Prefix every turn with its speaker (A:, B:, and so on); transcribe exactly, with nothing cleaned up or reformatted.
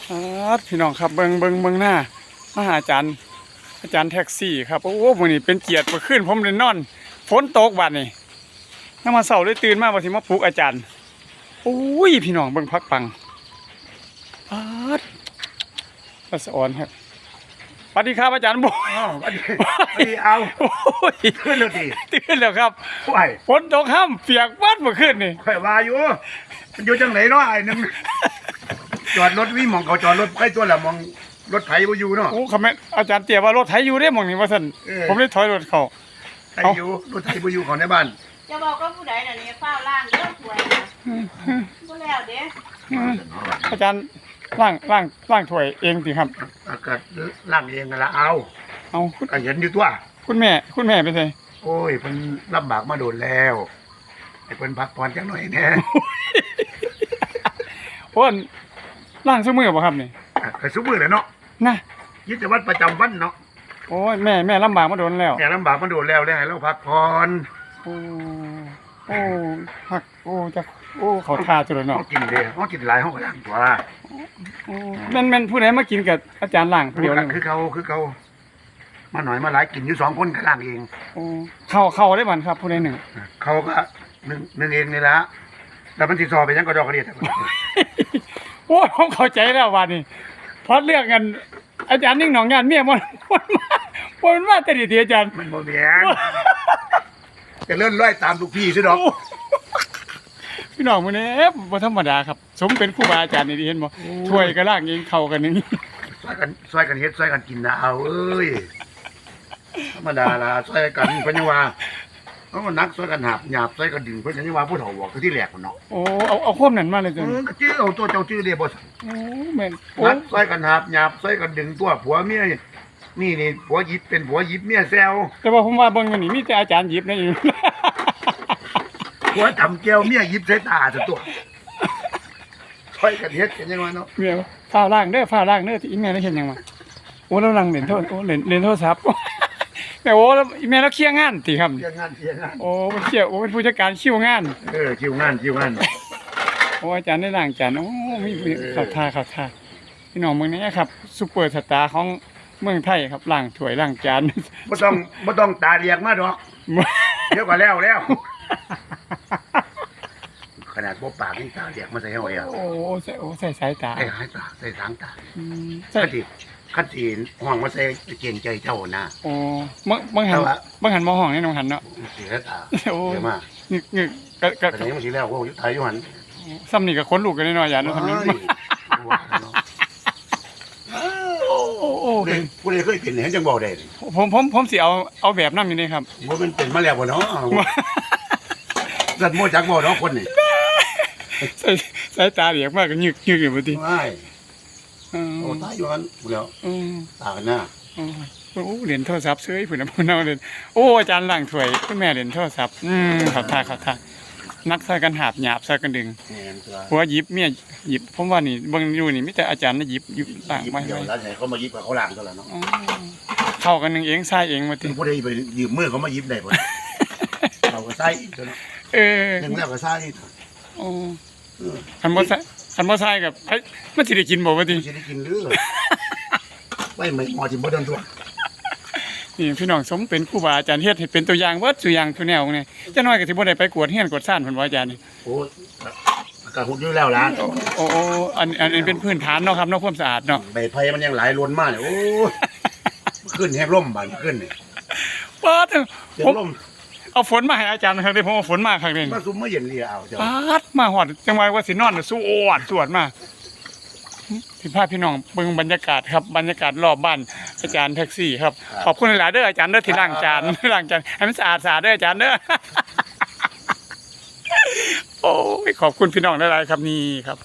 A: ครับพี่น้องครับเบิงเบิงเบิงหน้ามาหาอาจารย์อาจารย์แท็กซี่ครับโอ้มื้อนี้เป็นเกียรติมาขึ้นผมเลยนอนฝนตกบัดนี้น้ามาเช้าเลยตื่นมาบ่สิมาปลุกอาจารย์โอ้ยพี่น้องเบิ่งพักปังอาดปัสออนครับสวัสดีครับอาจารย์บุ
B: อ้าวสวัสดีสวัสดีเอา
A: โอ้ย
B: ขึ้นแล้วดิ
A: ตื่นแล้วครับ
B: ไหว
A: ฝนตกห้ำเปียกวัดเมื่อคืนนี่
B: ข่อยว่าอยู่มันอยู่จังไหนเนาะไอ้นึงจอดรถวิมองเขาจอดรถใครตัวละมองรถไถบ่อยู่เนาะ
A: โอ้คำแม่นอาจารย์เตี๋ยว่ารถไถอยู่ได้หมองนี่ว่าซั่น
B: เออ
A: ผมเลยถอยรถเข้า
B: ไถอยู่รถไถบ่อยู่เขาในบ้าน
C: จะบอกว่าผู้ใดน่ะนี่เฝ้าล่างเด้อถวยนะบ่แล้วเด้
A: อืมอาจารย์ล่างล่างล่างถ้วยเองสิครับ
B: อากาศล่างเองนั่นละเอา
A: เอาคุณ
B: ก็เห็นอยู่ตัว
A: คุณแม่คุณแม่ไปไส
B: โอ้ยเพิ่นลำบากมาโดนแล้วให้เพิ่นพักผ่อนจักหน่อยแหน่
A: โอ้นล่างซุมือบ่ครับนี่
B: อ่ะก็ซุมื้อแหละเนาะ
A: นะ
B: กิจวัตรประจำวันเนาะ
A: โอ้ยแม่แม่ลำบากมาโดนแล้ว
B: แกลำบากมาโดนแล้วแล้วให้เราพักผ่อน
A: โอ้โอ้หักโอ้จะโอ้เขาทาจุดแล้ว
B: เฮา
A: เนาะ
B: กินเด้เฮากินหลายเฮาก็ล้างตัว
A: โอ้แม่นแม่นผู้ใดมากินกับอาจารย์ล่างผู้เดียวเลย
B: คือเขาคือเขามาหน่อยมาหลายกินอยู่สองคนก็ล้างเอง
A: โอ้เข้าเข้าได้บันครับผู้ใดหนึ่ง
B: เขาก็หนึ่งหนึ่งเองนี่ละแต่มันติดซอไปยังก็ดอกกระเดียด
A: โอ้ยผมเข้าใจแล้ววันนี้เพราะเรื่องกันอาจารย์นิ่งหนองงานเมียมันมันมามันมาแต่ดีทีอาจารย์
B: มันโมเมียนจะเลื่อนร้อยตามลูกพี่ใช่ดอก
A: พี่น้องมื้อนี้เอ๊ะบ่ธรรมดาครับ สมเป็นครูบาอาจารย์นี่ดีเห็นบ่ถ้วยก็ล่างเองเข้ากันอย่างนี้
B: ซอยกันซอยกันเฮ็ดซอยกันกินนะเอาเอ้ยธรรมดาละซอยกันเพิ่นยังว่าเพราะมันนักซอยกันหาบหยาบซอยกันดึงเพิ่นยังว่าผู้เฒ่าบอกคือที่แหลกมันเนาะ
A: โอ้เอาเอาความนั้นมาเลย
B: เอ
A: จ้ะ
B: อก็ชื่อเอาตัวเจ้าชื่อเดียบ่
A: โอ้แม่นโอ้
B: นักซอยกันหาบหยาบซอยกันดึงตัวผัวเมียนี่นี่ผัวหยิบเป็นผัวหยิบเมียแซว
A: แต่ว่าผมว่าเบิ่งอยู่นี่มีแต่อาจารย์หยิบนะอยู่
B: ผัวจำแก้วเมียหยิบใส่ตาซะตัวซอยกันเฮ็ดกันยังไงเนาะ
A: เมียฟ้าวล่างเด้อฟ้าวล่างเด้อที่อีแม่ได้เห็นหยังมาโอ้เราลังเล่นโทรโอ้เล่นเล่นโทรศัพท์ แม่โอ้แล้วอีแม่เราเคลียร์งานติครับ
B: เที่ยงงานเที่ยงงาน
A: โอ้เป็นเคลียร์โอ้เป็นผู้จัดการคิวงาน
B: เออคิวงานคิวงาน
A: โอ้อาจารย์ได้ล่างอาจารย์โอ้มีเข่าท่าเข่าท่าพี่น้องเมืองนี้ครับซุปเปอร์สตาร์ของเมืองไทยครับล่างถ้วยล่างจาน
B: บ่ต้องบ่ต้องตาเรียกมาดอกเดี๋ยวก็แล้วแล้วขนาดบ่ปากนี่ตาเรียกมาใส่เฮาเอง
A: โอ้ใส่โอ้ใส่สายตา
B: ใส่หายตาใส่ทางตา
A: อืมใส่
B: คันสิคันสิห้องมาใส่เกรงใจเจ้านะ
A: โอ้บางบางหัน
B: แต่ว่า
A: บางหันมองห้องนี่น้องหันเนาะ
B: เสียตา
A: โอ้
B: เสียมาก
A: งึกงึกกะกะ
B: แต่นี้มันสิแล้วพวกอยู่ไทยอยู่หั่น
A: ซ้ำนี่กับคนลูกกันแน่นอนอย่าเนาะทำนี้
B: เฮ้ยว่าเนาะ
A: โอ้โอ้โอ้
B: ผู้ใดผู้ใดเคยเป็นเห็นจังบ่ได้
A: ผมผมผมสิเอาเอาแบบนั้นอยู่นี่ครับ
B: บ่มันเป็นมาแล้วบ่เนาะสัตว์โมจักบ่เนาะคนนี่
A: ใส่สายตาเหลียกมากก็ยึกยึกอยู่บ่ติ
B: ว้าย
A: อืม
B: โอ้ตายอยู่หั่นพูดแล้ว
A: อืม
B: ตากันหน้า
A: โอ้โอ้เหรียญโทรศัพท์เซ้ยพุ่นน่ะพุ่นเอาเล่นโอ้อาจารย์ล้างถ้วยคุณแม่เหรียญโทรศัพท์อืมเขอท่าเขอท่านักใส่กันหาบหยาบใส่กันดึง
B: แม่นตัว
A: หัวหยิบเมียหยิบผมว่านี่เบิ่งอยู่นี่มีแต่อาจารย์น่ะหยิบหยิบล้าง
B: หยิบ
A: ไว้
B: เดี๋ยว
A: ไว้
B: แล้วให้เขามาหยิบกับเขาล้างซะแล้วเนาะ
A: อ๋อเข้ากันหนึงเองใส่เองมาติ
B: ผู้ใดไปยืมมือเขามาหยิบได้บ่เราก็ใส่อีกตัวเนาะ
A: เออ
B: หนึ่งแล้วก็ใส่อีก
A: โอ้
B: เออ
A: คันบ่ใส่คันบ่ใส่กับเฮ้ยมันสิได้กินบ่ว่าติ
B: สิได้กินหรือไว้ไม่หมอจิบ่โดนตัว
A: นี่พี่น้องสมเป็นครูบาอาจารย์เฮ็ดให้เป็นตัวอย่างเบิดตัวอย่างตัวแนวนี่จังน้อยก็สิบ่ได้ไปกวดเฮียนกวดซ่านเพิ่นว่าอาจารย์นี่
B: โอ้กระหุดอยู่แล้วล่ะ
A: โอ้โอ้อันอันอันเป็นพื้นฐานเนาะครับเนาะความสะอาดเนาะ
B: ใบไผ่มันยังหลายล้นมากเนี่ยโอ้ขึ้นแห้งล่มบานขึ้นนี่
A: ปาด
B: เสีย
A: ผ
B: ง
A: ม
B: ล่ม
A: เอาฝนมาให้อาจารย์ครั้งนี้ผมเอาฝนมาครั้งนี้
B: มาซุ่มมาเย็นเรียเอาเจ้า
A: ปาดมาหอดจังหวะว่าสินอนน่ะสู้โอดสวดมาพี่พาพี่น้องเบิ่งบรรยากาศครับบรรยากาศรอบบ้านอาจารย์แท็กซี่ครับขอบคุณหลายๆเด้ออาจารย์เด้อที่ล้างจานล้างจานให้มันสะอาดสะอาดเด้ออาจารย์เด้อ โอ้ยขอบคุณพี่น้องหลายๆครับนี่ครับ